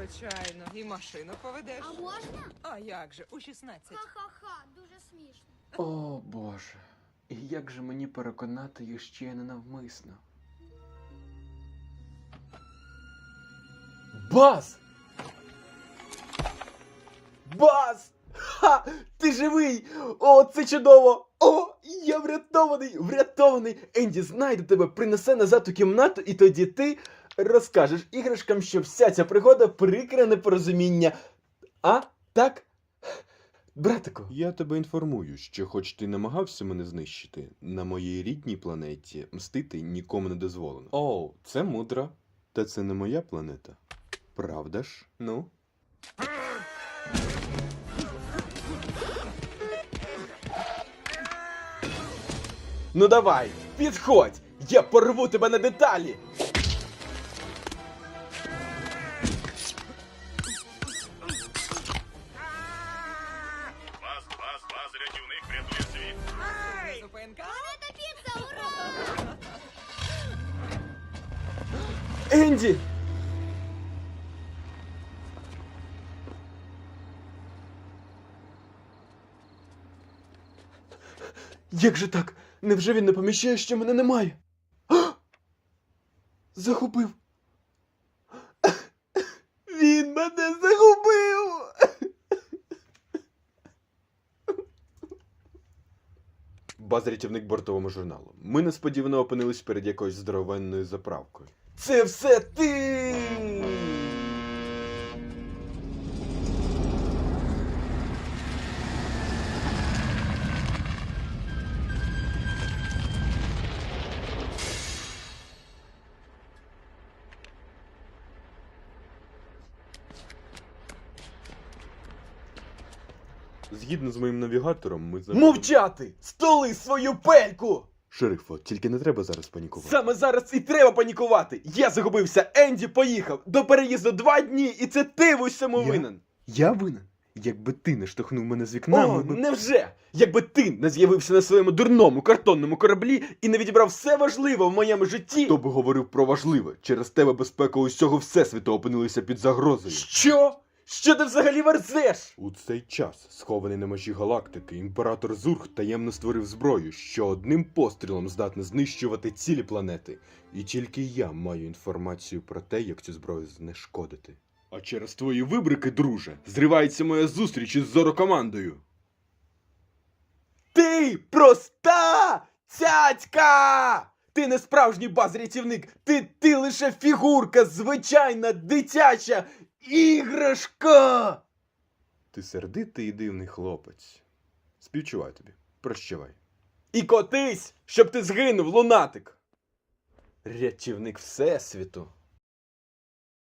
Звичайно. І машину поведеш. А можна? А як же, у 16. Ха-ха-ха, дуже смішно. О, Боже. І як же мені переконати їх ще ненавмисно? Баз! Баз! Ха! Ти живий! О, це чудово! О, я врятований! Врятований! Енді знайде тебе, принесе назад у кімнату, і тоді ти розкажеш іграшкам, що вся ця пригода прикре непорозуміння. А? Так? Братику. Я тебе інформую, що хоч ти намагався мене знищити, на моїй рідній планеті мстити нікому не дозволено. О, це мудро. Та це не моя планета. Правда ж? Ну? Ну давай, підходь! Я порву тебе на деталі! Вас, рятівник врятує світ. Зупинка. Планета піца, ура! Енді! Як же так? Невже він не помічає, що мене немає? А! Загубив! Він мене загубив! Баз-рятівник бортовому журналу. Ми несподівано опинились перед якоюсь здоровенною заправкою. Це все ти! Згідно з моїм навігатором, ми Мовчати! Столи свою пельку! Шерифо, тільки не треба зараз панікувати. Саме зараз і треба панікувати! Я загубився, Енді поїхав! До переїзду 2 дні, і це ти в усьому Я? винен! Я винен? Якби ти не штовхнув мене з вікна, О, ми б... невже? Якби ти не з'явився на своєму дурному картонному кораблі і не відібрав все важливе в моєму житті... Хто би говорив про важливе? Через тебе безпека усього всесвіту опинилася під загрозою. Що? Що ти взагалі верзеш? У цей час, схований на межі галактики, імператор Зург таємно створив зброю, що одним пострілом здатна знищувати цілі планети. І тільки я маю інформацію про те, як цю зброю знешкодити. А через твої вибрики, друже, зривається моя зустріч із Зорокомандою. Ти проста цяцька! Ти не справжній баз-рятівник, ти лише фігурка, звичайна дитяча іграшка! Ти сердитий і дивний хлопець. Співчуваю тобі. Прощавай. І котись, щоб ти згинув, лунатик! Рятівник Всесвіту.